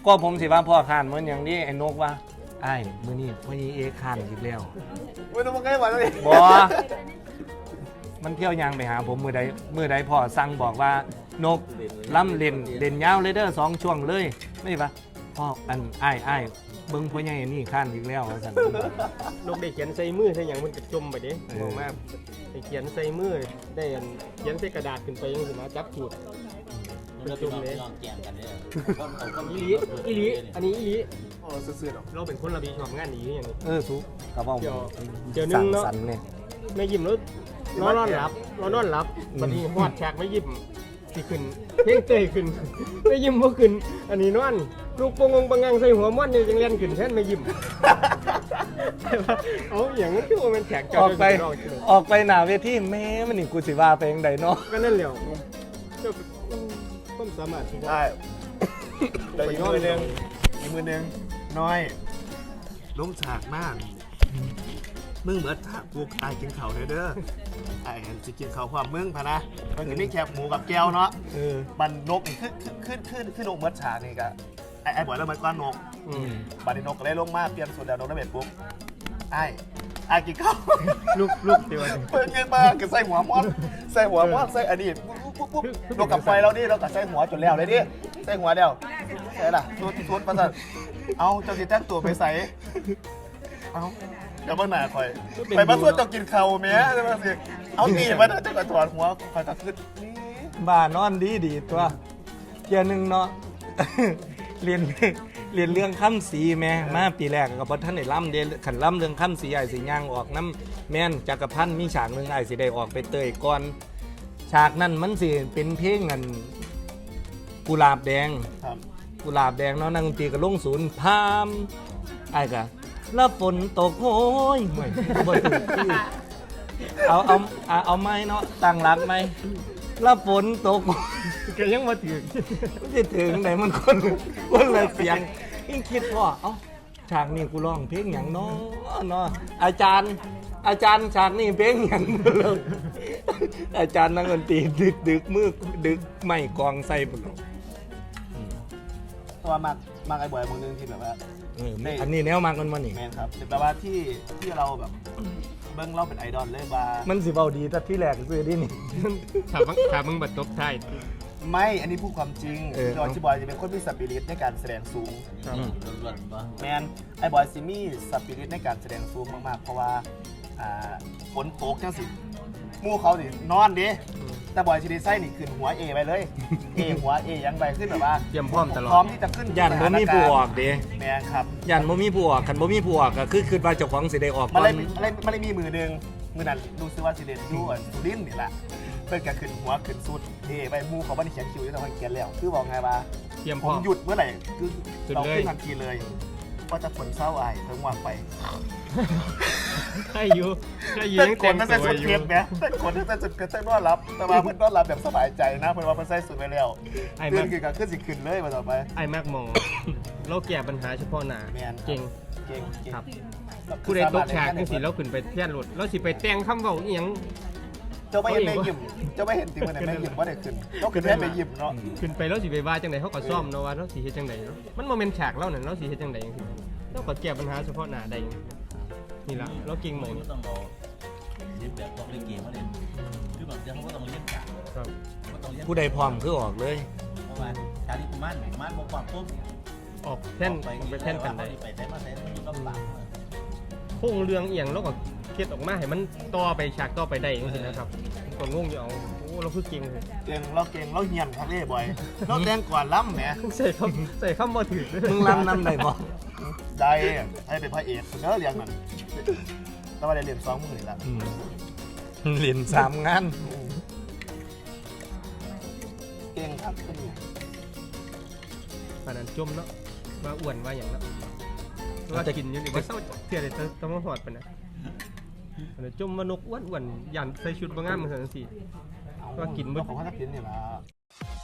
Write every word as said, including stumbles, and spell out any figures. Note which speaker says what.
Speaker 1: ก็ผมสิว่าพ่อขานเหมือนอย่างนี้ไอ้นกว่าไอ้มื้อนี้พ่อยีเอขานอีกแล้ว
Speaker 2: ไม่ต้องมาใกล้หวานเลย
Speaker 1: บ่มันเที่ยวยางไปหาผมมือใดมือใดพ่อสั่งบอกว่านกล้ำเล่นเล่นยาวเลยเด้อสองช่วงเลยไม่ปะพ่ออันไอ้ไอ้เบิ้งพ่อใหญ่นี่ข้านอีกแล้วสั่น
Speaker 3: นกได้เขียนใส่มือใส่อย่างมันกระจมไปดิมองมากได้เขียนใส่มือได้เขียนใส่กระดาษขึ้นไปยังสิมาจับจุดกระจมเลยอีลีอีลีอันนี้อีลี
Speaker 2: โอ้ซื่อๆหรอ
Speaker 3: เราเป็นคนระบีชอบงานนี้อย่างนี้
Speaker 1: เออสุกระเป๋า
Speaker 3: เดี๋ยวนึงเนาะไม่ยิ้มแล้วนอนนอนหลับนอนนอนหลับบัดนี้หอดแขกไม่ยิ้มที่ขึ้นเพ่งเตยขึ้นไม่ยิ้มเพราะขึ้นอันนี้นอนลูกปงงปังงังใส่หัวม้วนนี่ยังเล่นขึ้นแทนไม่ยิ้มเอาอย่างนั้นคือว่ามันแขก
Speaker 1: ออกไปออกไปหน้าเวทีแม่มันนี่กูสิว่าไปยังไดเนาะ
Speaker 3: ก็นั่นแหละเจ้าต้นสามารถ
Speaker 2: ได้แต่อีกมือนึงอีกมือนึงน้อยล้มฉากมากมึงเหมือนถ้ากูตายกินเข่าเลยเด้อไอ้จะกินเข่าความมึงพะนะมันจะไม่แคบหมูกับแก้วเนาะบันนกขึ้นขึ้นขึ้นขึ้นนกเหมือนฉากนี่กะไอ้ไอ้บ่อยแล้วเหมือนก้อนนกบันนี้นกก็เลยลงมาเตรียมสูตรแล้วนกได้เบ็ดปุ๊บไอ้ไอ้กินข้าว
Speaker 3: ลูกลูกเดียว
Speaker 2: เปิดเงินมาก็ใส่หัวมอดใส่หัวมอดใส่อดีตปุ๊บปุ๊บปุ๊บนกกับไฟเราดิเรากับใส่หัวจนแล้วเลยดิใส่หัวเดียวใส่ล่ะทุนทุนประสาทเอาเจ้าสิแจ้งตัวไปใส่เอาเดี๋ยวบ้านหนาคอยไปมาส่วนต้องกินข้าวแม่ใช่ไหมสิเอาตีมันจะกระถอดหัวคอยตะขึ้นนี่
Speaker 1: บ้านนอนดีดีตัวเกียร์หนึ่งเนาะเรียนเรียนเรื่องข้ามสีแม่มาปีแรกกับพท่านได้ล่ำเดียขันล่ำเรื่องข้ามสีไอ้สีย่างออกน้ำแม่นจักรพันธ์มีฉากหนึ่งไอ้สีได้ออกไปเตยก่อนฉากนั้นมันสิเป็นเพลงกันกุหลาบแดงกุหลาบแดงเนาะนักดนตรีกับลงศูนย์พามไอ้กะแล้วฝนตกโอ้ยห่วยบ่ถึงที่เอาเอาเอาไม้เนาะตั้งรักไหมแล้วฝนตก
Speaker 3: ก็ยังมาถึง
Speaker 1: จะถึงไหนมันคนคนเลยเสียงยิ่งคิดว่าเอ้าฉากนี้กูร้องเพลงอย่างน้อเนาะอาจารย์อาจารย์ฉากนี้เพลงอย่างเลยอาจารย์นักดนตรีดึกดึกมือดึกไม่กองใส่บุญ
Speaker 2: ตัวมากมากไอ้บ่อยมึงนึงที่แบบว่า
Speaker 1: อันนี้แนวมากมันมันนี่
Speaker 2: แมนครับแต่ว่าที่ที่เราแบบเบิ้งเราเป็นไอดอลเลยว่า
Speaker 1: มันสิเบาดีแต่ที่แรกซื้อดินี่
Speaker 3: ถามถามมึงบัดตบท้าย
Speaker 2: ไม่อันนี้พูดความจริงจอยชิบอยจะเป็นคนมีสปิริตในการแสดงสูงแมนไอบอยซิมี่สปิริตในการแสดงสูงมากๆเพราะว่าฝนตกจังสิมู่เขาสินอนดิแต่บอยชิดิไซนี่ขึ้นหัวเอไปเลยเอหัวเอยังไปขึ้นแบบว่า
Speaker 3: เตรียมพร้อมตลอด
Speaker 2: พร้อมที่จะขึ้น
Speaker 1: ยันบ่มีผู้ออกดิ
Speaker 2: แมนครับ
Speaker 1: ยันบ่มีผู้ออกคันบ่มีผู้ออกก็คือคือว่าเจ้าของสิได้ออก
Speaker 2: มันเลยมันเลยมันเลยมีมือหนึ่งมือนั้นดูซิว่าสิเดนยูอ่ะสุรินนี่แหละเพิ่นก็ขึ้นหัวขึ้นสุดเอไปมู่เขาบ่ได้เขียนคิวอยู่แต่ว่าเขียนแล้วคือบอกไงว่า
Speaker 3: เตรียมพ
Speaker 2: ร้
Speaker 3: อ
Speaker 2: มหยุดเมื่อไหร่คือเราขึ้นทันทีเลยว่าจะฝนเศร้าไอ้เพิ่งวางไป
Speaker 3: ใช่อยู่ใช่อยู่
Speaker 2: แต่คนนั่นเป็นสุดเพียรเนี่ยแต่คนนั่นเป็นสุดเพียรแต่นอนรับแต่ว่าเพื่อนนอนรับแบบสบายใจนะเพื่อนว่าเพื่อนใส่สุดไปแล้วเพื่อนคือการขึ้นสิขึ้นเลยมาต่อไป
Speaker 3: ไอ้แม็กมองเราแก้ปัญหาเฉพาะหน้าเก่ง
Speaker 2: เก่ง
Speaker 3: ครับผู้ใดตกฉากจังสิเราขึ้นไปเทียนรถเราสิไปแต่งคำเว้าอีหยัง
Speaker 2: เจ้าไม่เห็นไม่ยิ้มเจ้าไม่เห็นติมันไม่ยิ้มว่าได้ขึ้นต้องขึ้นแค่ไปยิ้มเนาะ
Speaker 3: ขึ้นไปแล้วสิไปว่าจังไดเขาก็ซ่อมเนาะว่าเราสิเฮ็ดจังไดเนาะมันโมเมนต์ฉากเราเนี่ยเราสิเฮ็ดจังไดจังซี่เราก็แก้ปัญหาเฉพาะหน้าได้นี่ล่ะเราเก่งหมด
Speaker 4: ต้องเอาเรียนแบบต้องเล่นเกมมาเล่นคือแบบเดี๋ยวเขาก็ต้องเล่นฉาก
Speaker 1: ผู้ใดพร้อมคือออกเลย
Speaker 4: เพราะว่าการที่กูมั่นมั่นบอกความปุ๊บ
Speaker 3: ออกแท่นไปแท่นกันได้
Speaker 4: ไปแต่มาแต่มีลำบาก
Speaker 3: พงเรืองเอียงแล้วก็เคล็ดออกมาให้มันต่อไปฉากต่อไปได้จริงๆนะครับก็งงอยู่เอาโอ้เราคือเก่งเลย
Speaker 2: เก่งเราเก่งเราเฮียนครับเล่บ่อยเราแต่งก่อนล้ำแหม
Speaker 3: ใส่คำใส่คำมาถือ
Speaker 1: มึงล้ำน้ำได้บ่
Speaker 2: ได้ให้เป็นพระเอกเนอะเรียงมันต้องมาเรียนสองมือละ
Speaker 1: เรียนสามงาน
Speaker 2: เก่งครับคนนี้
Speaker 3: ตอนนั้นจมเนาะมาอ้วนว่าอย่างนั้นว่ากินอยู่นี่ว่าเศร้าเสียเลยต้องมาหอดไปนะจมมานกอ้วนอ้วนยันใส่ชุดบางงามเหมือนกันสิว่ากิน
Speaker 2: บ่ของเขาจะกินเนี่ยละ